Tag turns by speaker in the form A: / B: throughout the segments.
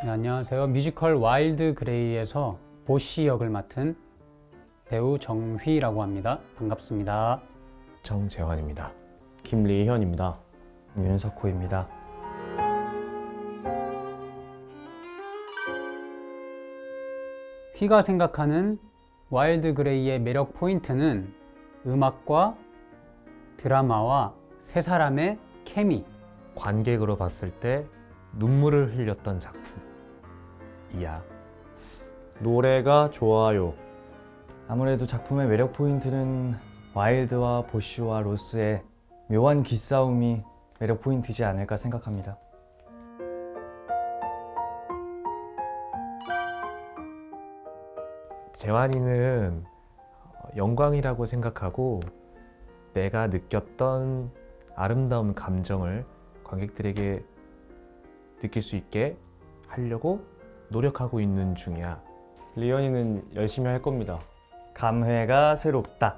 A: 네, 안녕하세요. 뮤지컬 와일드 그레이에서 보시 역을 맡은 배우 정휘라고 합니다. 반갑습니다.
B: 정재환입니다. 김리현입니다.
C: 윤석호입니다.
A: 휘가 생각하는 와일드 그레이의 매력 포인트는 음악과 드라마와 세 사람의 케미.
B: 관객으로 봤을 때 눈물을 흘렸던 작품 이야. 노래가 좋아요.
C: 아무래도 작품의 매력 포인트는 와일드와 보쉬와 로스의 묘한 기싸움이 매력 포인트지 않을까 생각합니다.
B: 재환이는 영광이라고 생각하고 내가 느꼈던 아름다운 감정을 관객들에게 느낄 수 있게 하려고 노력하고 있는 중이야.
D: 리언이는 열심히 할 겁니다.
C: 감회가 새롭다.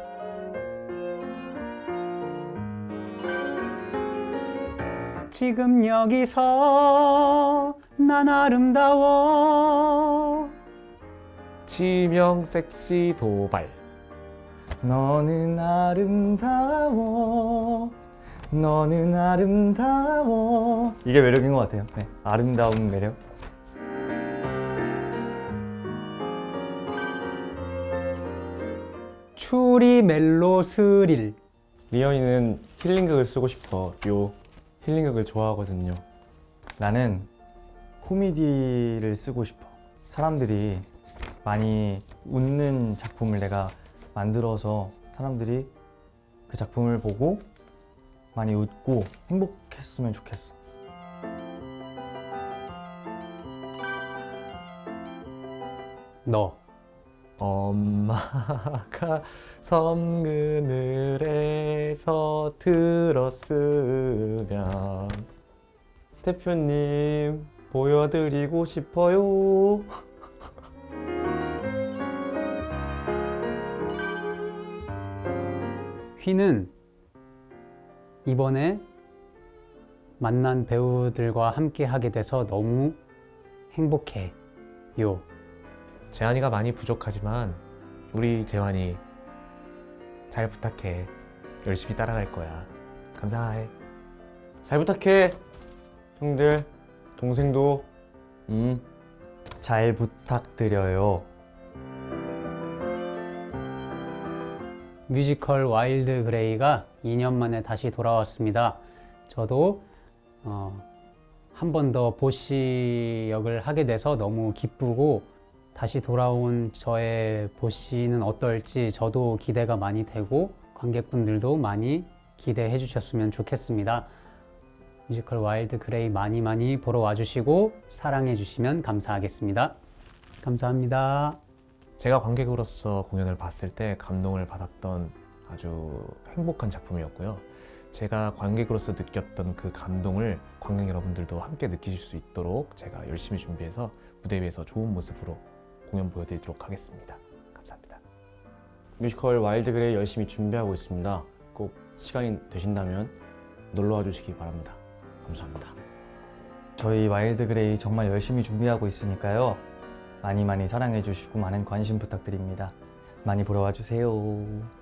A: 지금 여기서 난 아름다워.
B: 치명 섹시 도발.
C: 너는 아름다워. 너는 아름다워. 이게 매력인 것 같아요. 네, 아름다운 매력.
A: 추리 멜로 스릴.
D: 리언이는 힐링극을 쓰고 싶어. 요 힐링극을 좋아하거든요.
C: 나는 코미디를 쓰고 싶어. 사람들이 많이 웃는 작품을 내가 만들어서 사람들이 그 작품을 보고 많이 웃고 행복했으면 좋겠어.
A: 너.
B: 엄마가 섬그늘에서 들었으면
D: 대표님 보여드리고 싶어요.
A: 휘는 이번에 만난 배우들과 함께 하게 돼서 너무 행복해요.
B: 재환이가 많이 부족하지만 우리 재환이 잘 부탁해. 열심히 따라갈 거야. 감사해.
D: 잘 부탁해. 형들, 동생도.
C: 잘 부탁드려요.
A: 뮤지컬 와일드 그레이가 2년 만에 다시 돌아왔습니다. 저도 한 번 더 보시 역을 하게 돼서 너무 기쁘고, 다시 돌아온 저의 보시는 어떨지 저도 기대가 많이 되고 관객분들도 많이 기대해 주셨으면 좋겠습니다. 뮤지컬 와일드 그레이 많이 많이 보러 와주시고 사랑해 주시면 감사하겠습니다. 감사합니다.
B: 제가 관객으로서 공연을 봤을 때 감동을 받았던 아주 행복한 작품이었고요. 제가 관객으로서 느꼈던 그 감동을 관객 여러분들도 함께 느끼실 수 있도록 제가 열심히 준비해서 무대 위에서 좋은 모습으로 공연 보여드리도록 하겠습니다. 감사합니다.
D: 뮤지컬 와일드 그레이 열심히 준비하고 있습니다. 꼭 시간이 되신다면 놀러와 주시기 바랍니다. 감사합니다.
C: 저희 와일드 그레이 정말 열심히 준비하고 있으니까요. 많이 많이 사랑해 주시고 많은 관심 부탁드립니다. 많이 보러 와 주세요.